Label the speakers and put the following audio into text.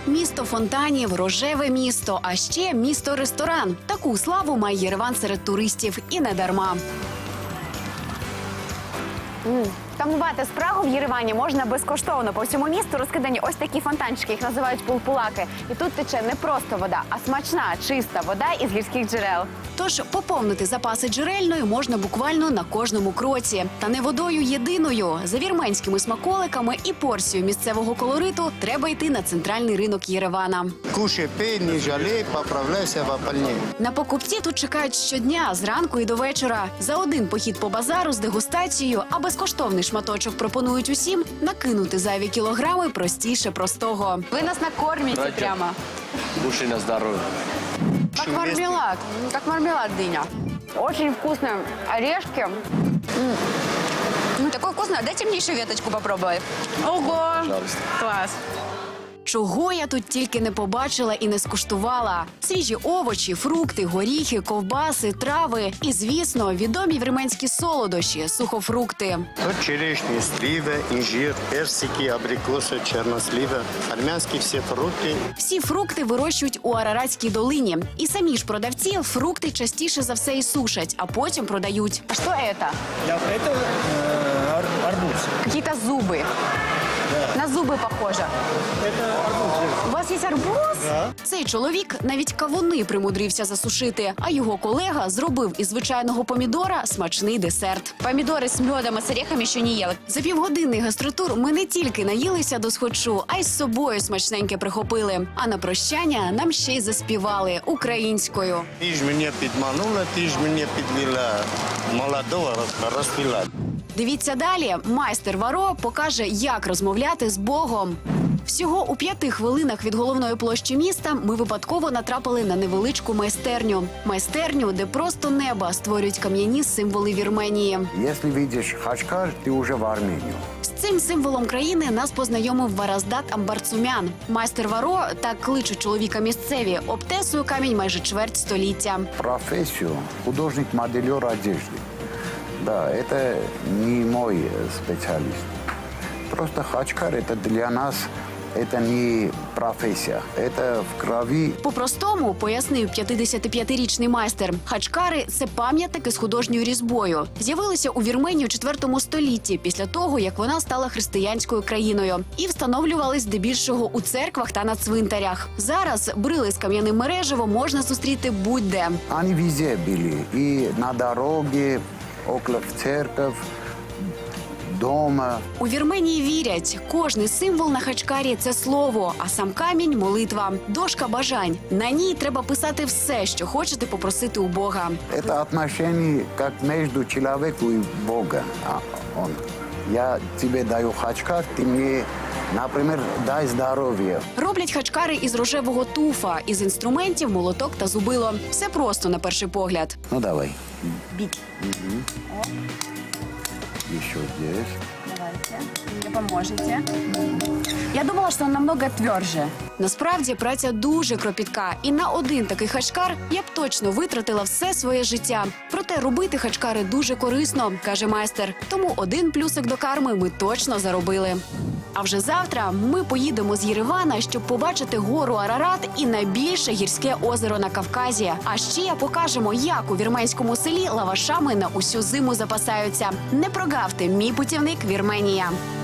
Speaker 1: Місто фонтанів, рожеве місто, а ще місто-ресторан. Таку славу має Єреван серед туристів. І не дарма.
Speaker 2: Тамувати спрагу в Єревані можна безкоштовно. По всьому місту розкидані ось такі фонтанчики, їх називають пулпулаки. І тут тече не просто вода, а смачна, чиста вода із гірських джерел.
Speaker 1: Тож поповнити запаси джерельної можна буквально на кожному кроці. Та не водою єдиною. За вірменськими смаколиками і порцією місцевого колориту треба йти на центральний ринок Єревана.
Speaker 3: Кушай, пей, не жалей, поправляйся в опальні.
Speaker 1: На покупці тут чекають щодня, зранку і до вечора. За один похід по базару з дегустацією, а безкоштовний шматочок пропонують усім, накинути зайві кілограми простіше простого.
Speaker 2: Ви нас накормите прямо.
Speaker 4: Кушай на здоровье.
Speaker 2: Как мармелад дыня. Очень вкусные орешки. Такое вкусное. Дайте мне еще веточку попробовать. Ого!
Speaker 4: Пожалуйста.
Speaker 2: Класс.
Speaker 1: Чого я тут тільки не побачила і не скуштувала. Свіжі овочі, фрукти, горіхи, ковбаси, трави і, звісно, відомі вірменські солодощі – сухофрукти.
Speaker 3: Тут черешні, сливи, інжир, персики, абрикоси, чорнослива, армянські всі фрукти.
Speaker 1: Всі фрукти вирощують у Араратській долині. І самі ж продавці фрукти частіше за все і сушать, а потім продають.
Speaker 2: А что это?
Speaker 5: Это арбуз.
Speaker 2: Какие-то зубы. На зубы похоже. У вас есть арбуз?
Speaker 1: Цей чоловік навіть кавуни примудрився засушити, а його колега зробив із звичайного помідора смачний десерт.
Speaker 2: Помидоры с медом и с орехами еще не ела.
Speaker 1: За півгодинний гастротур ми не тільки наїлися до схочу, а й з собою смачненьке прихопили. А на прощання нам ще й заспівали українською.
Speaker 3: Ти ж мене підманула, ти ж мене підвела, молодого розпила.
Speaker 1: Дивіться далі. Майстер Варо покаже, як розмовляти з Богом. Всього у 5 хвилинах від головної площі міста ми випадково натрапили на невеличку майстерню. Майстерню, де просто неба створюють кам'яні символи Вірменії.
Speaker 6: Если видишь Хачкар, ты уже в Армению.
Speaker 1: З цим символом країни нас познайомив Вараздат Амбарцумян. Майстер Варо, так кличуть чоловіка місцеві, обтесує камінь майже чверть століття.
Speaker 6: Профессию художник-модельер одежды. Да, это не мой специалист. Просто Хачкар это для нас, это не профессия, это в крови.
Speaker 1: По-простому, пояснив 55-річний майстер, хачкари – це пам'ятники з художньою різьбою. З'явилися у Вірменії у 4 столітті, після того, як вона стала християнською країною. І встановлювались здебільшого у церквах та на цвинтарях. Зараз брили з кам'яним мереживом можна зустріти будь-де.
Speaker 6: Они везде были. И на дороге, около церковь, дома.
Speaker 1: У Вірменії вірять, кожний символ на хачкарі – це слово, а сам камінь – молитва. Дошка бажань. На ній треба писати все, що хочете попросити у Бога.
Speaker 6: Это отношение как между человеком и Богом. Я тебе даю Хачкар, ты мне, например, дай здоровье.
Speaker 1: Роблять хачкари із рожевого туфа, із інструментів молоток та зубило. Все просто на перший погляд.
Speaker 6: Ну, давай.
Speaker 2: Бить.
Speaker 6: Еще здесь.
Speaker 2: Давайте. Мне поможете. Я думала, что он намного тверже.
Speaker 1: Насправді праця дуже кропітка, і на один такий хачкар я б точно витратила все своє життя. Проте робити хачкари дуже корисно, каже майстер. Тому один плюсик до карми ми точно заробили. А вже завтра ми поїдемо з Єревана, щоб побачити гору Арарат і найбільше гірське озеро на Кавказі. А ще покажемо, як у вірменському селі лавашами на усю зиму запасаються. Не прогавте, мій путівник Вірменія.